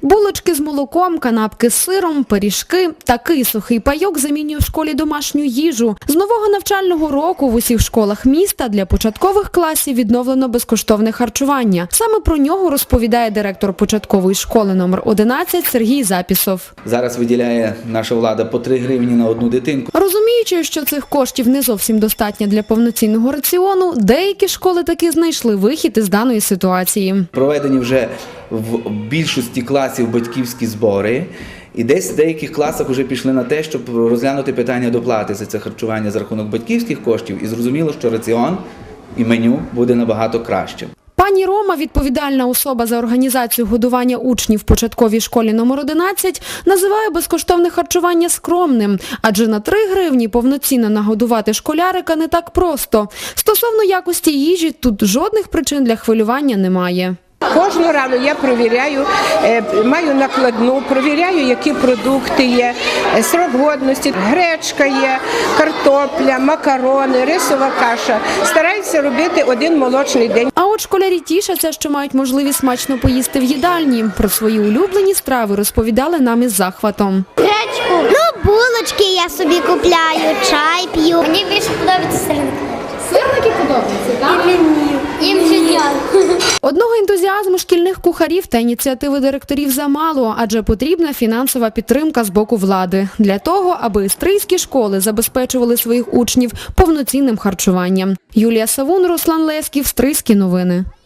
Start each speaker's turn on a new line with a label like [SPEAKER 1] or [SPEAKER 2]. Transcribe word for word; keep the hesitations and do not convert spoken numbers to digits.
[SPEAKER 1] Булочки з молоком, канапки з сиром, пиріжки. Такий сухий пайок замінює в школі домашню їжу. З нового навчального року в усіх школах міста для початкових класів відновлено безкоштовне харчування. Саме про нього розповідає директор початкової школи номер одинадцять Сергій Запісов.
[SPEAKER 2] Зараз виділяє наша влада по три гривні на одну дитинку.
[SPEAKER 1] Розуміючи, що цих коштів не зовсім достатньо для повноцінного раціону, деякі школи таки знайшли вихід із даної ситуації.
[SPEAKER 2] Проведені вже в більшості класів батьківські збори. І десь в деяких класах вже пішли на те, щоб розглянути питання доплати за це харчування за рахунок батьківських коштів. І зрозуміло, що раціон і меню буде набагато кращим.
[SPEAKER 1] Пані Рома, відповідальна особа за організацію годування учнів в початковій школі номер одинадцять, називає безкоштовне харчування скромним, адже на три гривні повноцінно нагодувати школярика не так просто. Стосовно якості їжі, тут жодних причин для хвилювання немає.
[SPEAKER 3] Кожну рану я провіряю, маю накладну, провіряю, які продукти є, срок годності, гречка є, картопля, макарони, рисова каша. Стараюся робити один молочний день.
[SPEAKER 1] А от школярі тішаться, що мають можливість смачно поїсти в їдальні. Про свої улюблені страви розповідали нам із захватом.
[SPEAKER 4] Гречку, ну булочки я собі купляю, чай п'ю. Мені більше подобається сирники.
[SPEAKER 1] Сирники подобаються, так?
[SPEAKER 4] І мені. Їм життя.
[SPEAKER 1] Одного ентузіазму шкільних кухарів та ініціативи директорів замало, адже потрібна фінансова підтримка з боку влади. Для того, аби істрийські школи забезпечували своїх учнів повноцінним харчуванням. Юлія Савун, Руслан Лесків, Стрийські новини.